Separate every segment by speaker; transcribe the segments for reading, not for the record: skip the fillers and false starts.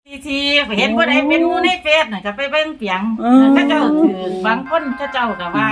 Speaker 1: ทีเห็นผู้ใดเป็นหมู่ในเฟซน่ะก็ไปเบิ่งเปียงเขาเจ้าถือบางคนเขาเจ้าก็ว่า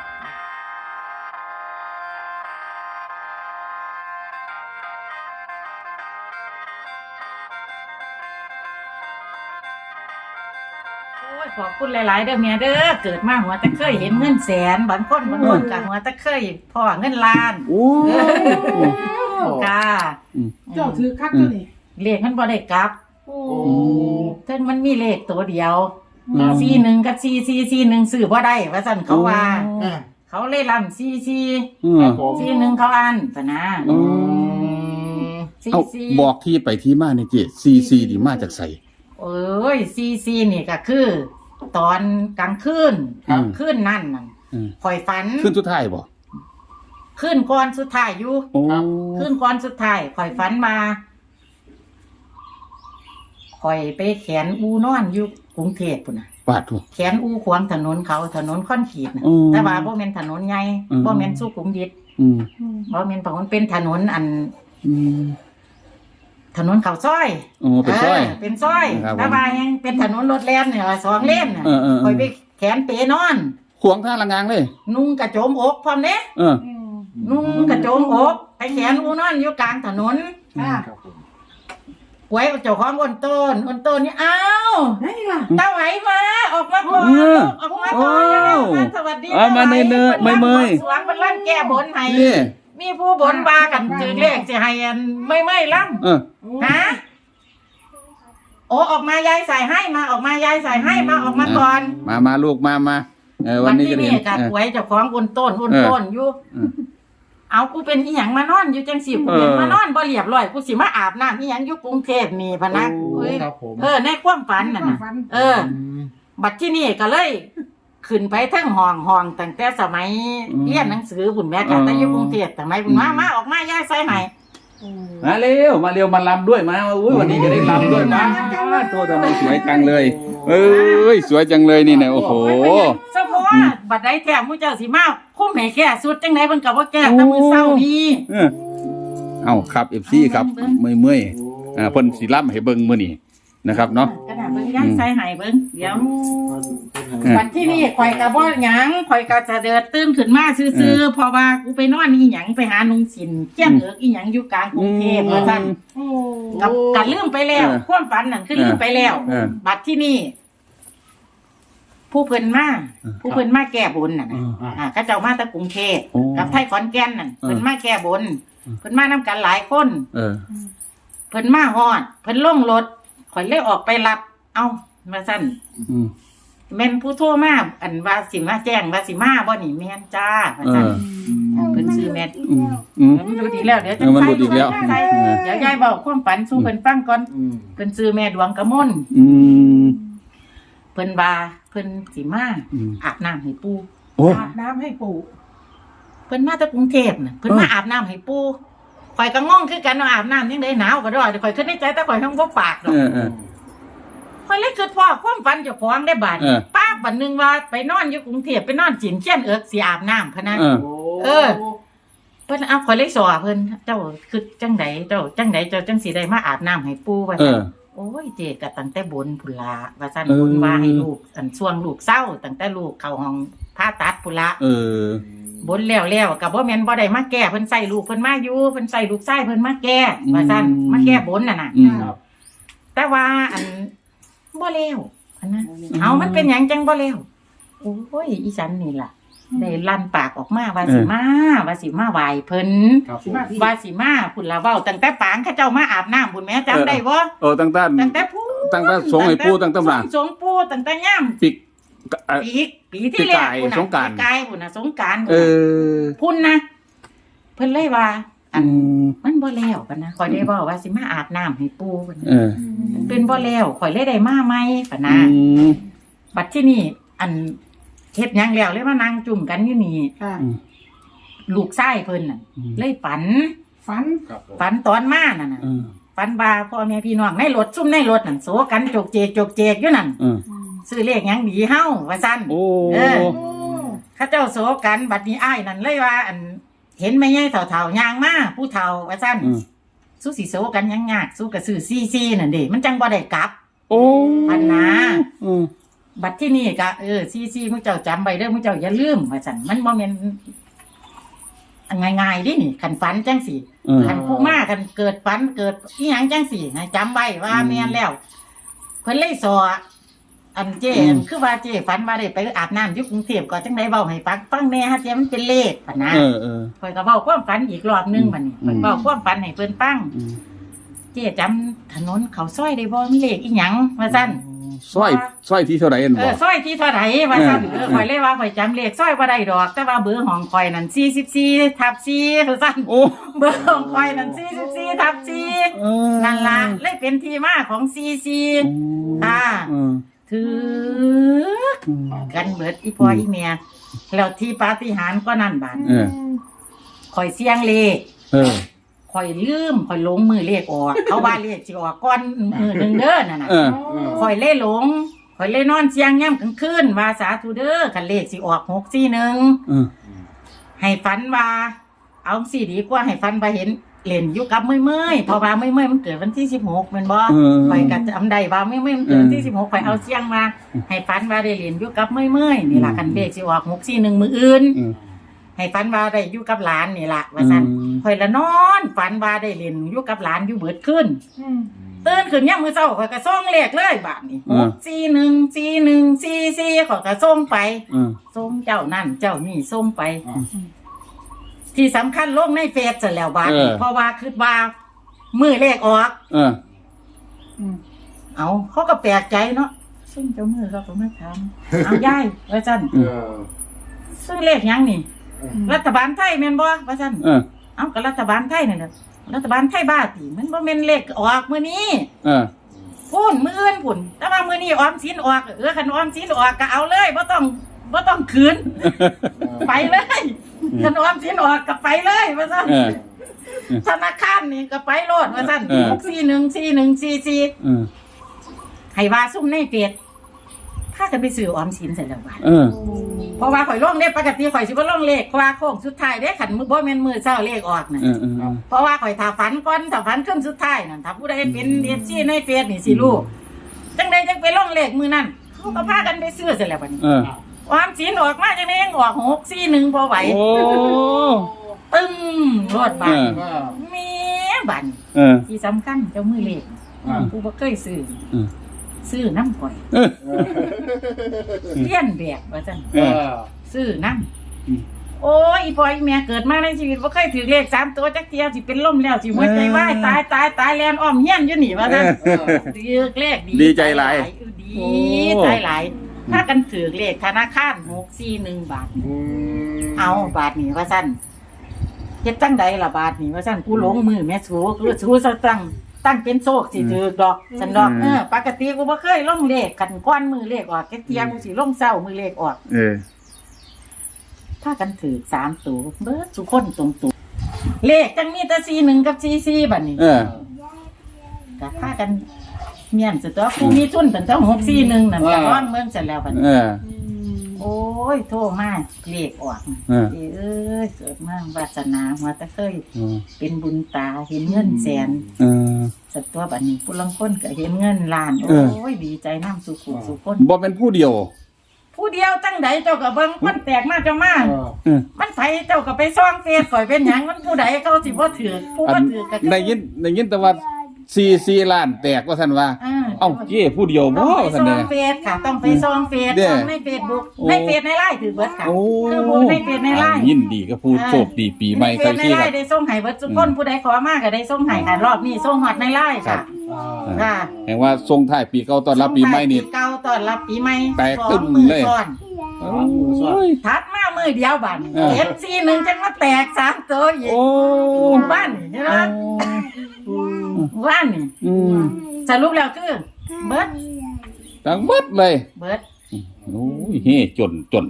Speaker 1: โอ้ยขอบคุณหลายๆเด้อแม่เด้อเกิดมาหัวตะเคยเห็นเงินแสนบางคนก็หัวตะเคยพ่อเงินล้าน
Speaker 2: โอ้
Speaker 1: ค่ะ
Speaker 3: เจ้าถือคักตัวนี้
Speaker 1: เลขมันบ่ได้กลับ
Speaker 3: โอ้
Speaker 1: ถึงมันมีเลขตัวเดียว41กับ4441ซื้อบ่ได้ว่าซั่นเขาว่าเขาเลยลำ4441เขาอ่านปะนะ
Speaker 2: เอาบอกที่ไปที่มาเนี่ยเจ๊ซีดีมาจากใส
Speaker 1: เอ้ย44นี่ก็คือ ตอนกลางคืนคืนนั่นน่ะข่อยฝัน
Speaker 2: ขึ้นสุดท้ายบ่
Speaker 1: คืนก่อนสุดท้ายอยู่
Speaker 2: โอ้
Speaker 1: คืนก่อนสุดท้ายข่อยฝันมาข่อยไปแขนอูนอนอยู่กรุงเทพพุ่นน่ะ
Speaker 2: ปาดถูก
Speaker 1: แขนอูขวางถนนเขาถนนคอนกรีตน่ะ
Speaker 2: อืม
Speaker 1: แต่ว่าบ่แม่นถนนใหญ่
Speaker 2: อืม
Speaker 1: บ่แม่นสุขุมวิท บ่แม่นเพราะมันเป็นถนนอัน ถนนเขาซอย
Speaker 2: โอ้เป็นซอย
Speaker 1: เป็นซอย
Speaker 2: ครับผม
Speaker 1: แต่ว่ายังเป็นถนนรถแล่นเนี่ยสองเลนน่ะ
Speaker 2: เออ
Speaker 1: ข่อยไปแขนเปนอน
Speaker 2: ขวงท่าละงางเลย
Speaker 1: นุ่งกระโจมอกพร้อมเด้
Speaker 2: เออ
Speaker 1: นุ่งกระโจมอกไปแขนอูนอนอยู่กลางถนน
Speaker 3: ครับผม
Speaker 1: หวยเจ้าของอ้นต้นนี่อ้าว
Speaker 3: ได้ล่ะ
Speaker 1: ตาไหวมาออกมาก่อน
Speaker 2: เออ
Speaker 1: ออกมาก่อน
Speaker 2: โอ้
Speaker 1: สวัสดี
Speaker 2: เอามาเนยๆเมยๆ
Speaker 1: สวงเป็นร่างแก้บนให้
Speaker 2: นี่
Speaker 1: มีผู้บนบากันถือเลขสิให้อันไม่ล่ำ
Speaker 2: เออ
Speaker 1: ฮะโอ้ออกมายายใส่ให้มาออกมายายใส่ให้มาออกมาก่อน
Speaker 2: มาลูกมาวันนี้จะ
Speaker 1: ที่
Speaker 2: เห็น
Speaker 1: นี่กับหวยเจ้าของอ้นต้นอยู่
Speaker 2: เออ
Speaker 1: เอากูเป็นอีหยังมานอนอยู่จังสิกูเป็นมานอนบ่เรียบร้อยกูสิมาอาบน้ำอีหยังอยู่กรุงเทพนี่พะนะเอ้ย
Speaker 4: ครับผม
Speaker 1: ในความฝันน่ะนะบัดที่นี่ก็เลย ขึ้นไปทั้งห้องตั้งแต่สมัยเรียนหนังสือพุ่นแม่ค่ะแต่อยู่กรุงเทพสมัยพุ่นมาออกมายายใส่ให้
Speaker 2: มาเร็วมาลำด้วยมาอุ้ยวันนี้จะได้ลำด้วยมาโทษทำไมสวยจังเลย เอ้ยสวยจังเลยนี่นะโอ้โห
Speaker 1: เฉพาะบัดใดแท้มู้เจ้าสิมาคุ้มให้แค่สุดจังได๋เพิ่นก็บ่แก้แต่มื้อเช้านี้
Speaker 2: เอาครับเอฟซีครับเมื่อยเพิ่นสิลำให้เบิ่งมื้อนี้นะครับเนาะ
Speaker 1: กระดาษเบิ่งยังใส่ให้เบิ่งเดี๋ยวบัดที่นี่ข่อยก็บ่หยังข่อยก็จะเดินตื่นขึ้นมาซื่อๆเพราะว่ากูไปนอนอีหยังไปหานุงสินเกี้ยนเอิกอีหยังอยู่กลางกรุงเทพว่าซั่น
Speaker 3: โอ้
Speaker 1: กับลืมไปแล้วความฝันนั่นคือลืมไปแล้ว บัดที่นี่ผู้เพิ่นมาแก้บนน่ะนะเขาเจ้ามาจากกรุงเทพกับไทยขอนแก่นนั่นเพิ่นมาแก้บนเพิ่นมานํกันหลายคนเพิ่นมาฮอดเพิ่นลงรถข่อยเลยออกไปรับเอ้าว่าซั่นแม่นผู้โทรมาอันว่าสิมาแจ้งว่าสิมาบ่นี่แม่นจ้าว่าซั่นเพิ่นชื่อแม่มันดูดีแล้วเดี๋ยวจะใส่เดี๋ยวยายบอกความฝันสู่เพิ่นฟังก่อนเพิ่นชื่อแม่ดวงกมลเพิ่นว่าเพิ่นสิมาอาบน้ำให้ปู่
Speaker 3: อาบน้ำให้ปู่
Speaker 1: เพิ่นมาจากกรุงเทพน่ะเพิ่นมาอาบน้ำให้ปู่ข่อยก็งงคือกันว่าอาบน้ำจังได๋หนาวก็ดอกข่อยคิดในใจแต่ข่อยทั้งบ่ปากดอกข่อยเลยคิดพ่อความฝันเจ้าของได้บาดป้าบัดนึงว่าไปนอนอยู่กรุงเทพไปนอนจีนเขี้ยนเอิกสิอาบน้ำพะนะเพิ่นเอาข่อยเลยสอเพิ่นเจ้าคือจังไดเจ้าจังสิได้มาอาบน้ำให้ปู่ว่าซั่นโอ้ยเจก็ตั้งแต่บนพุ่นละว่าซั่นบนว่าให้ลูกอันช่วงลูกเศร้าตั้งแต่ลูกเข้าห้องผ่าตัดพุ่นละบนแล้วก็บ่แม่นบ่ได้มาแก้เพิ่นใส่ลูกเพิ่นมาอยู่เพิ่นใส่ลูกชายเพิ่นมาแก้ว่าซั่นมาแก้บนน่ะนะแต่ว่าอันบ่แล้วอันนั้นเอามันเป็นหยังจังบ่แล้วโอ้ยอีฉันนี่ล่ะได้ลั่นปากออกมาว่าสิมาไหว้เพิ่นว่าสิมาพุ่นละเว้าตั้งแต่ปางเขาเจ้ามาอาบน้ำพุ่นแม่จำได้บ่ตั้งแต่ผู้
Speaker 2: ตั้งแต่สงให้ปู่ตั้งแต่หลัง
Speaker 1: สงปู่ตั้งแต่ย่ำปีที่แล้วพุ่นน่ะสงกรานต์พุ่นนะเพิ่นเลยว่าอันมันบ่แล้วปะนะข่อยได้เว้าว่าสิมาอาบน้ำให้ปู่เพิ่นเป็นบ่แล้วข่อยเลยได้มาใหม่ปะนะบัดที่นี่อันเฮ็ดหยังแล้วเลยมานั่งจุ่มกันอยู่นี่ลูกชายเพิ่นน่ะเลยฝันตอนมานั่นน่ะฝันว่าพ่อแม่พี่น้องในรถซุ่มในรถนั่นโสกันจกเจกอยู่นั่นซื้อเลขหยังดีเฮาว่าซั่นเขาเจ้าโสกันบัดนี้อ้ายนั่นเลยว่าอันเห็นแม่ใหญ่เฒ่าๆย่างมาผู้เฒ่าว่าซั่นสู้สิโสกันยังยากสู้ก็ซื้อซีนั่นเด้มันจังบ่ได้กลับ
Speaker 2: โอ้
Speaker 1: พันนา
Speaker 2: อืม
Speaker 1: บัดที่นี่ก็ซีมึงเจ้าจำไว้เด้อมึงเจ้าอย่าลืมว่าซั่นมันบ่แม่นง่ายๆดินี่คันฝันจังสิ คันผู้มาคันเกิดฝันเกิดอีหยังจังสิให้จำไว้ว่าแม่นแล้วเพิ่นเลยสออันเจคือว่าเจฝันว่าได้ไปอาบน้ำอยู่กรุงเทพก็จังได๋เว้าให้ฟังแหน่ฮะเจมันเป็นเลขปะนะข่อยก็เว้าความฝันอีกรอบนึงบัดนี้ข่อยเว้าความฝันให้เพิ่นฟังเจจำถนนเขาซอยได้บ่มีเลขอีหยังว่าซั่น
Speaker 2: สร้อยที่เท่าไหร่เอ็นบ่
Speaker 1: ซอยที่เท่าไหร่ว่าซั่นข่อยเลยว่าข่อยจำเลขซอยบ่ได้ดอกแต่ว่าเบอร์ของข่อยนั่น44/4ว่าซั่น
Speaker 2: โอ้
Speaker 1: เบอร์ของข่อยนั่น44/4นั่นล่ะเลยเป็นที่มาของ44ค่ะถือกันเบิดอีพ่ออีแม่แล้วที่ปาฏิหาริย์ก็นั่นบาดข่อยเสี่ยงเลขข่อยลืมข่อยหลงมือเลขออกเขาว่าเลขสิออกก่อนมื้อนึงเด้อนั่นน่ะข่อยเลยหลงข่อยเลยนอนเสี่ยงยามกลางคืนว่าสาธุเด้อคันเลขสิออก641ให้ฝันว่าเอาสิดีกว่าให้ฝันว่าเห็นเล่นอยู่กับเมื่อยๆเพราะว่าเมื่อยๆมันเกิดวันที่16แม่นบ่ข่อยก็จำได้ว่าเมื่อยๆมันเกิดวันที่16ข่อยเอาเสี่ยงมาให้ฝันว่าได้เล่นอยู่กับเมื่อยๆนี่ล่ะคันเลขสิออก641มื้ออื่นให้ฝันว่าได้อยู่กับหลานนี่ล่ะว่าซั่นข่อยละนอนฝันว่าได้เล่นอยู่กับหลานอยู่เบิดคืนตื่นขึ้นยามมื้อเช้าข่อยก็ส่งเลขเลยบาดนี้6414144ข่อยก็ส่งไปส่งเจ้านั่นเจ้านี่ส่งไปที่สำคัญลงในเฟซซะแล้วบาดนี้เพราะว่าคิดว่ามื้อเลขออกเอาเขาก็แปลกใจเนาะซึ่งเจ้ามือเขาก็มาถามเอายายว่าซั่นซึ่งเลขหยังนี่รัฐบาลไทยแม่นบ่ว่าซั่นเอาก็รัฐบาลไทยนั่นแหละรัฐบาลไทยบ้าติมันบ่แม่นเลขออกมื้อนี้พุ่นมื้ออื่นพุ่นแต่ว่ามื้อนี้ออมสินออกคันออมสินออกก็เอาเลยบ่ต้องคืนไปเลยคันออมสินออกก็ไปเลยว่าซั่นธนาคารนี่ก็ไปโลดว่าซั่น6414144ให้ว่าซุ่มในเฟซถ้ากันไปซื้อออมสินเสร็จแล้วว่าเพราะว่าข่อยลงเลขปกติข่อยสิบ่ลงเลขเพราะว่าโค้งสุดท้ายเด้คันบ่แม่นมื้อเช้าเลขออกน่ะเพราะว่าข่อยถ้าฝันก่อนถ้าฝันขึ้นสุดท้ายนั่นถ้าผู้ใดเป็น FC ในเฟซนี่สิรู้จังได๋จังไปลงเลขมื้อนั้นเขาก็พากันไปซื้อเสร็จแล้วบัดนี้ออมสินออกมาจังได๋ยังออก641บ่ไหวโอ้ตึ้งรอดบาดแม่บัดที่สำคัญเจ้ามือเลขผู้บ่เคยซื้อน้ำข่อยเลี้ยนแบบว่าซั่นซื้อน้ำโอ้ยอีพ่ออีแม่เกิดมาในชีวิตบ่เคยถือเลข3ตัวจักเที่ยสิเป็นลมแล้วสิหัวใจวายตายแล่นอ้อมเฮียนอยู่นี่ว่าซั่นถือเลขดีใจหลายดีใจหลายถ้ากันถือเลขธนาคาร641บาทเอาบาทนี่ว่าซั่นเฮ็ดจังใดล่ะบาทนี่ว่าซั่นกูหลงมือแม่สูคือสูซะตั้งเป็นโชคสิถือดอกสันดอกปกติกูบ่เคยลงเลขกันก้อนมือเลขออกแค่เที่ยงกูสิลงเช้ามือเลขออกถ้ากันถือ3ตัวเบิดสุคนตรงๆเลขจังมีแต่41กับ44บัดนี้ก็ถ้ากันเมียนสุดตัวกูมีทุนตั้งแต่641นั่นก็ร้อนเมืองเสร็จแล้วบัดนี้โอ้ยโทษมากเลขออกเอ้ยเกิดมาวาสนามาแต่เคยเป็นบุญตาเห็นเงินแสนสัตว์ตัวบัดนี้ผู้ลังคนก็เห็นเงินล้านโอ้ยดีใจน้ำสุขุสุคน
Speaker 2: บ่เป็นผู้เดียว
Speaker 1: ตั้งใดเจ้าก็เบิ่งมันแตกมาเจ้ามามันไผเจ้าก็ไปซ่องเฟซข่อยเป็นหยังมันผู้ใดเขาสิบ่ถือผู้บ่ถือก็
Speaker 2: ได้ยินแต่ว่า4ล้านแตกว่าซั่นว่าเอ้าเจ้ผู้เดียวบ่ซั่นเด้อ
Speaker 1: ต้องไปซ่องเฟซค่ะต้องไปซ่องเฟซซ่องใน Facebook ในเฟซในไลน์ถือเบิดค่ะคือผู้ในเฟซในไลน์
Speaker 2: ยินดีกับผู้โชคดีปีใหม่ใครสิครับ
Speaker 1: ได้ส่งให้เบิดทุกคนผู้ใดขอมาก็ได้ส่งให้ค่ะรอบนี้ส่งฮอดในไลน์ค่ะค่ะ
Speaker 2: แห่งว่าส่งท้ายปีเก่าต้อนรับปีใหม่นี่
Speaker 1: เก่าต้อนรับปีใหม่
Speaker 2: แตกตึ้มเลย
Speaker 1: ทัดมามือเดียวบัด41จังว่าแตก3ตัวอีกโอ้บ้านใช่มั้ยบ้านนี่สรุปแล้วคือเบิด
Speaker 2: ทั้งเบิดเลย
Speaker 1: เบิด
Speaker 2: โอ้ยเฮ้จน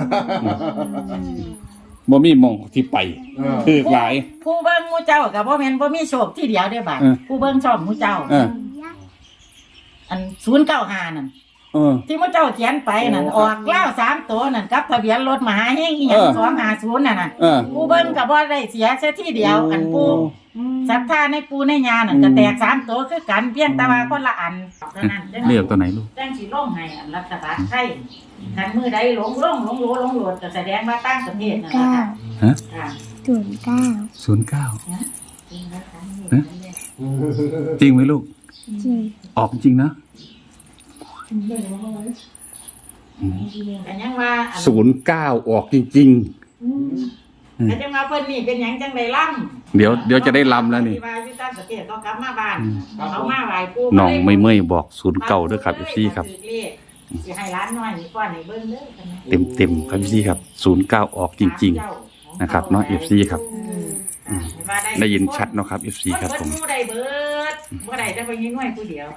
Speaker 2: บ่มีมองที่ไปคือหลาย
Speaker 1: ผู้เบิ่งหมู่เจ้าก็บ่แม่นบ่มีโชคที่เดียวเด้อบาดผู้เบิ่งชอบหมู่เจ้าอัน095นั่นที่มุเจ้าเขียนไปนั่นออกเล่า3ตัวนั่นกับทะเบียนรถมหาเฮงอีหยัง250นั่นน่ะปูเบิ่งก็บ่ได้เสียซะทีเดียวอันปูศรัทธาในปูในญานั่นก็แตก3ตัวคือกันเพียงแต่ว่าคนละอันเท่านั้น
Speaker 2: เรียกตัวไหนลูก
Speaker 1: จังสิลงให้อันรัฐบาลไทยคันมือใดหลงโหลดก็แสดงว่าต่างประเทศนั่นล่ะค่ะ
Speaker 2: ฮะ
Speaker 1: ค่ะ
Speaker 2: 09จริงไหมลูกออกจริงนะ
Speaker 1: แต่ยังว่า
Speaker 2: 09ออกจริง
Speaker 1: แต่ยังว่าเพิ่นนี่เป็นหยังจังได๋ล่ำ
Speaker 2: เดี๋ยวจะได้ลำแล้วนี่
Speaker 1: ที่ว่าอยู่ต่างประเทศก็กลับมาบ้านเขามาไหว้ปู่
Speaker 2: น้องไม่เมื่อยบอก09ด้วยครับ FC ครับ
Speaker 1: สิให้ร้านน้อยนี่ก่อนให้เบิ่งเด้อ
Speaker 2: เต็มครับ FC ครับ09ออกจริงๆนะครับเนาะ FC ครับได้ยินชัดเนาะครับ FC ครับผม
Speaker 1: บ่ได้เบิดบ่ได้แต่ไปยิงน้อยผู้เดียว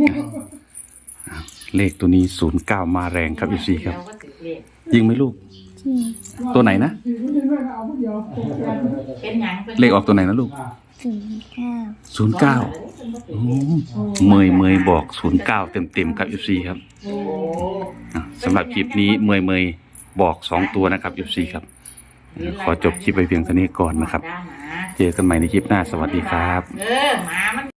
Speaker 2: เลขตัวนี้09มาแรงครับ FC ครับยิงไหมลูกตัวไหนนะ
Speaker 1: เป็นหยัง
Speaker 2: เลขออกตัวไหนนะลูก09เมยบอก09เต็มครับ FC ครับสำหรับคลิปนี้เมยบอก2ตัวนะครับ FC ครับขอจบคลิปไปเพียงเท่านี้ก่อนนะครับเจอกันใหม่ในคลิปหน้าสวัสดีครับ
Speaker 1: หมามัน